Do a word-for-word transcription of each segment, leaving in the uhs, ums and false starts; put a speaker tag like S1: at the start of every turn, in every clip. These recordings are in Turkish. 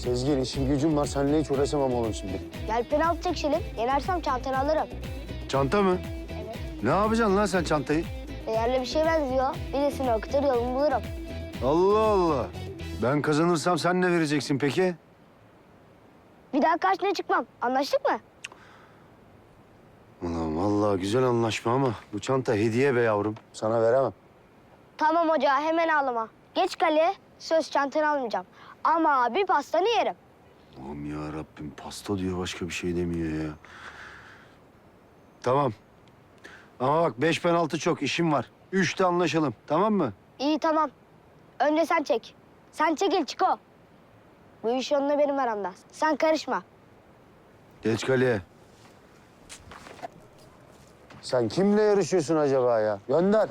S1: Sezgin, işim gücüm var. Seninle hiç uğraşamam oğlum şimdi.
S2: Gel penaltı çekişelim. Yenersem çantanı alırım.
S1: Çanta mı?
S2: Evet.
S1: Ne yapacaksın lan sen çantayı?
S2: Değerli bir şey benziyor. Birisini okutur yolumu bulurum.
S1: Allah Allah. Ben kazanırsam sen ne vereceksin peki?
S2: Bir daha karşına çıkmam. Anlaştık mı?
S1: Ulan vallahi güzel anlaşma ama bu çanta hediye be yavrum. Sana veremem.
S2: Tamam hoca, hemen ağlama. Geç kaleye, söz çantanı almayacağım. Ama bir pastanı yerim.
S1: Allah'ım ya Rabbim, pasta diyor, başka bir şey demiyor ya. Tamam. Ama bak beş penaltı çok, işim var. Üçte anlaşalım, tamam mı?
S2: İyi tamam. Önce sen çek. Sen çekil Çiko. Bu iş onunla benim aramda. Sen karışma.
S1: Geç kaleye. Sen kimle yarışıyorsun acaba ya? Gönder.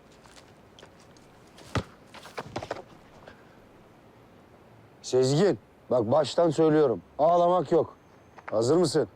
S1: Sezgin, bak baştan söylüyorum. Ağlamak yok. Hazır mısın?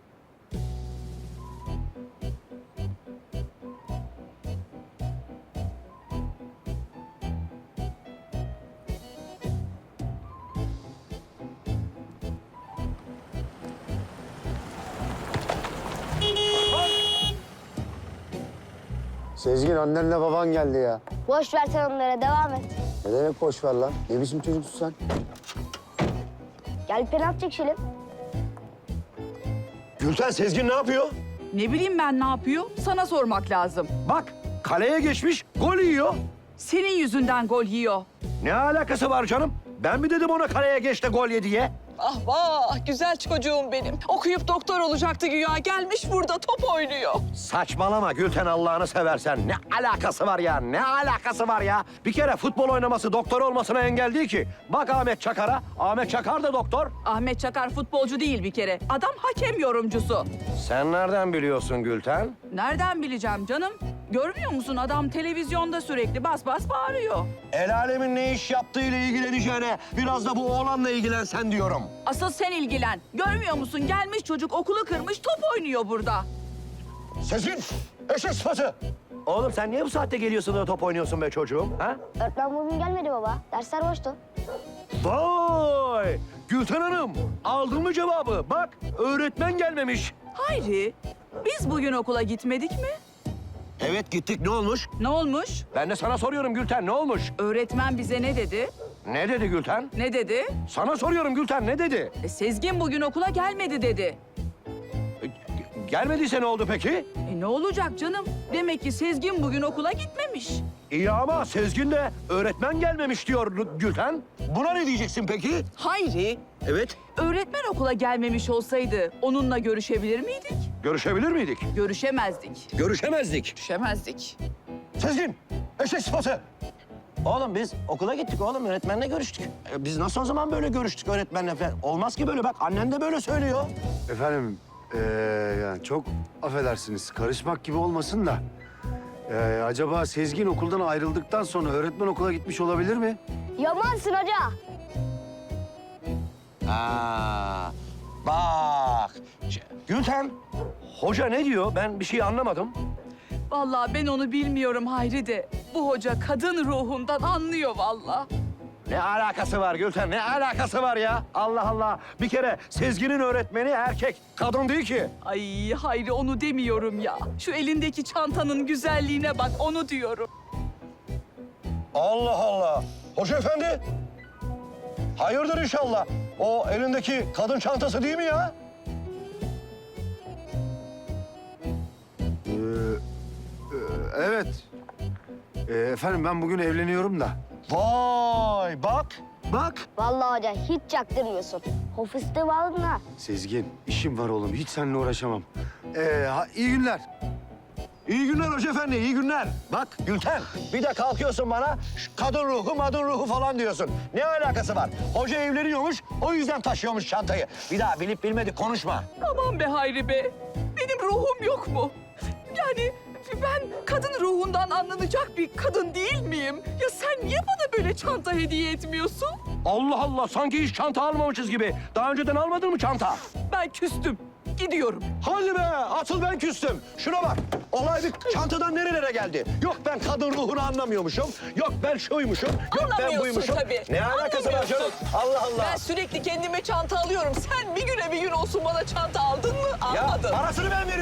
S1: Sezgin, annenle baban geldi ya.
S2: Boş ver sen onlara, devam et.
S1: Ne demek boş ver lan? Ne biçim çocuksun sen?
S2: Gel penaltı çekişelim.
S3: Gülten, Sezgin ne yapıyor?
S4: Ne bileyim ben ne yapıyor? Sana sormak lazım.
S3: Bak, kaleye geçmiş, gol yiyor.
S4: Senin yüzünden gol yiyor.
S3: Ne alakası var canım? Ben mi dedim ona kaleye geç de gol ye diye?
S5: Ah vah, güzel çocuğum benim. Okuyup doktor olacaktı güya. Gelmiş burada top oynuyor.
S3: Saçmalama Gülten, Allah'ını seversen. Ne alakası var ya? Ne alakası var ya? Bir kere futbol oynaması doktor olmasına engel değil ki. Bak Ahmet Çakar'a. Ahmet Çakar da doktor.
S4: Ahmet Çakar futbolcu değil bir kere. Adam hakem yorumcusu.
S3: Sen nereden biliyorsun Gülten?
S4: Nereden bileceğim canım? Görmüyor musun adam televizyonda sürekli bas bas bağırıyor.
S3: El alemin ne iş yaptığıyla ilgileneceğine biraz da bu oğlanla ilgilensen diyorum.
S4: Asıl sen ilgilen. Görmüyor musun? Gelmiş çocuk okulu kırmış top oynuyor burada.
S3: Sezgin, eşek sıfatı. Oğlum sen niye bu saatte geliyorsun da top oynuyorsun be çocuğum? Ha?
S2: Öğretmen bugün gelmedi baba. Dersler boştu.
S3: Vay! Gülten Hanım, aldın mı cevabı? Bak, öğretmen gelmemiş.
S4: Hayri, biz bugün okula gitmedik mi?
S3: Evet gittik, ne olmuş?
S4: Ne olmuş?
S3: Ben de sana soruyorum Gülten, ne olmuş?
S4: Öğretmen bize ne dedi?
S3: Ne dedi Gülten?
S4: Ne dedi?
S3: Sana soruyorum Gülten, ne dedi?
S4: E, Sezgin bugün okula gelmedi dedi.
S3: E, g- gelmediyse ne oldu peki?
S4: E, ne olacak canım? Demek ki Sezgin bugün okula gitmemiş.
S3: İyi ama Sezgin de öğretmen gelmemiş diyor Gülten. Buna ne diyeceksin peki?
S4: Hayri,
S3: Evet.
S4: öğretmen okula gelmemiş olsaydı onunla görüşebilir miydik?
S3: Görüşebilir miydik?
S4: Görüşemezdik.
S3: Görüşemezdik.
S4: Görüşemezdik.
S3: Sezgin, eşek sıfatı. Oğlum biz okula gittik oğlum, öğretmenle görüştük. E, biz nasıl o zaman böyle görüştük öğretmenle falan? Olmaz ki böyle, bak annen de böyle söylüyor.
S1: Efendim, ee, yani çok affedersiniz. Karışmak gibi olmasın da. Ee, acaba Sezgin okuldan ayrıldıktan sonra öğretmen okula gitmiş olabilir mi?
S2: Yamansın hoca.
S3: Ha, bak. Ş- Gülten, hoca ne diyor? Ben bir şey anlamadım.
S4: Vallahi ben onu bilmiyorum Hayri de. Bu hoca kadın ruhundan anlıyor vallahi.
S3: Ne alakası var Gülten? Ne alakası var ya? Allah Allah. Bir kere Sezgin'in öğretmeni erkek, kadın değil ki.
S4: Ay Hayri onu demiyorum ya. Şu elindeki çantanın güzelliğine bak onu diyorum.
S3: Allah Allah. Hoca efendi. Hayırdır inşallah. O elindeki kadın çantası değil mi ya?
S1: Ee, e, evet. Ee, efendim ben bugün evleniyorum da.
S3: Vay bak, bak.
S2: Vallahi hoca hiç çaktırmıyorsun. Ofiste bağladın ha.
S1: Sezgin, işim var oğlum. Hiç seninle uğraşamam. Ee, ha, iyi günler.
S3: İyi günler hoca efendi, iyi günler. Bak Gülten, bir de kalkıyorsun bana "Şu kadın ruhu, madın ruhu falan diyorsun. Ne alakası var? Hoca evleniyormuş, o yüzden taşıyormuş çantayı. Bir daha bilip bilmedik konuşma.
S4: Aman be Hayri be. Benim ruhum yok mu? Yani ben kadın ruhundan anlanacak bir kadın değil miyim? Ya sen niye bana böyle çanta hediye etmiyorsun?
S3: Allah Allah, sanki hiç çanta almamışız gibi. Daha önceden almadın mı çanta?
S4: Ben küstüm. gidiyorum.
S3: Hadi be, asıl ben küstüm. Şuna bak, olay bir çantadan nerelere geldi? Yok ben kadın ruhunu anlamıyormuşum, yok ben şuymuşum, yok ben
S5: Anlamıyorsun
S3: buymuşum.
S5: tabii.
S3: Ne alakası var canım?
S5: Anlamıyorsun.
S3: Allah Allah.
S5: Ben sürekli kendime çanta alıyorum. Sen bir güne bir gün olsun bana çanta aldın mı?
S3: Ya
S5: Almadın.
S3: parasını ben veriyorum.